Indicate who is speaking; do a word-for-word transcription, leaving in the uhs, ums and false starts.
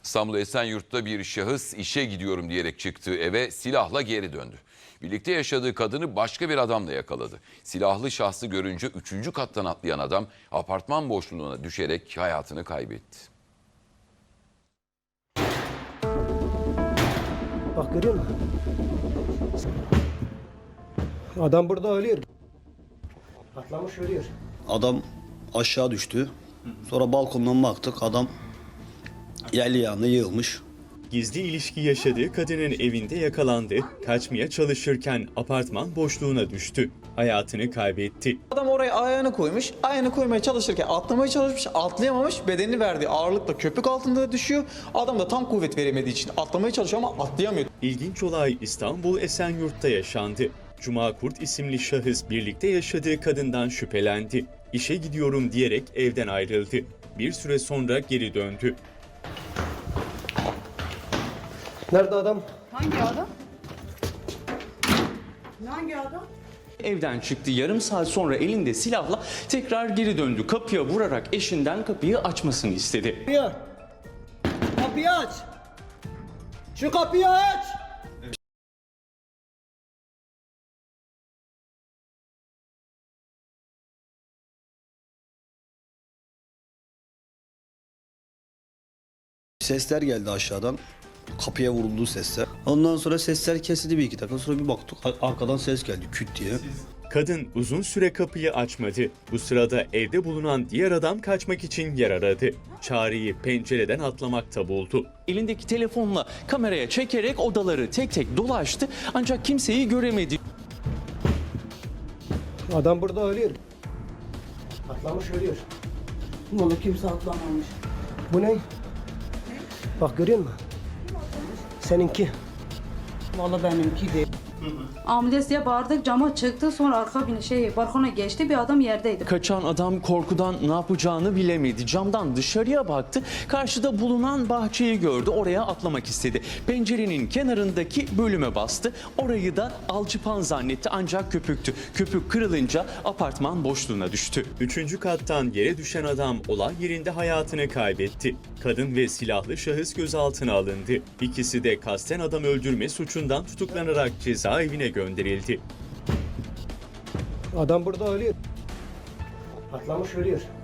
Speaker 1: İstanbul Esenyurt'ta bir şahıs işe gidiyorum diyerek çıktığı eve silahla geri döndü. Birlikte yaşadığı kadını başka bir adamla yakaladı. Silahlı şahsı görünce üçüncü kattan atlayan adam apartman boşluğuna düşerek hayatını kaybetti.
Speaker 2: Bak görüyor musun? Adam burada ölüyor. Atlamış ölüyor.
Speaker 3: Adam aşağı düştü. Sonra balkondan baktık, adam yerli yanına yığılmış.
Speaker 4: Gizli ilişki yaşadığı kadının evinde yakalandı, kaçmaya çalışırken apartman boşluğuna düştü. Hayatını kaybetti.
Speaker 5: Adam oraya ayağını koymuş, ayağını koymaya çalışırken atlamaya çalışmış, atlayamamış, bedenini verdiği ağırlıkla köpük altında düşüyor. Adam da tam kuvvet veremediği için atlamaya çalışıyor ama atlayamıyor.
Speaker 4: İlginç olay İstanbul Esenyurt'ta yaşandı. Cuma Kurt isimli şahıs birlikte yaşadığı kadından şüphelendi. İşe gidiyorum diyerek evden ayrıldı. Bir süre sonra geri döndü.
Speaker 2: Nerede adam?
Speaker 6: Hangi adam? Hangi adam?
Speaker 7: Evden çıktı, yarım saat sonra elinde silahla tekrar geri döndü. Kapıya vurarak eşinden kapıyı açmasını istedi.
Speaker 2: Kapıyı. Kapıyı aç. Şu kapıyı aç.
Speaker 3: Sesler geldi aşağıdan. Kapıya vurulduğu sesler. Ondan sonra sesler kesildi bir iki dakika. Sonra bir baktık arkadan ses geldi küt diye.
Speaker 4: Kadın uzun süre kapıyı açmadı. Bu sırada evde bulunan diğer adam kaçmak için yer aradı. Çareyi pencereden atlamakta buldu.
Speaker 7: Elindeki telefonla kameraya çekerek odaları tek tek dolaştı ancak kimseyi göremedi.
Speaker 2: Adam burada ölüyor. Atlamış ölüyor.
Speaker 6: Vallahi kimse atlamamış.
Speaker 2: Bu ne? Bak görüyor musun? Seninki.
Speaker 6: Vallahi benimki değil. Ambulans diye bağırdık, cama çıktı, sonra arka bir şey balkona geçti, bir adam yerdeydi.
Speaker 7: Kaçan adam korkudan ne yapacağını bilemedi. Camdan dışarıya baktı. Karşıda bulunan bahçeyi gördü. Oraya atlamak istedi. Pencerenin kenarındaki bölüme bastı. Orayı da alçıpan zannetti ancak köpüktü. Köpük kırılınca apartman boşluğuna düştü.
Speaker 4: Üçüncü kattan yere düşen adam olay yerinde hayatını kaybetti. Kadın ve silahlı şahıs gözaltına alındı. İkisi de kasten adam öldürme suçundan tutuklanarak cezaevine gönderildi.
Speaker 2: Adam burada ölüyor. Atlamış ölüyor.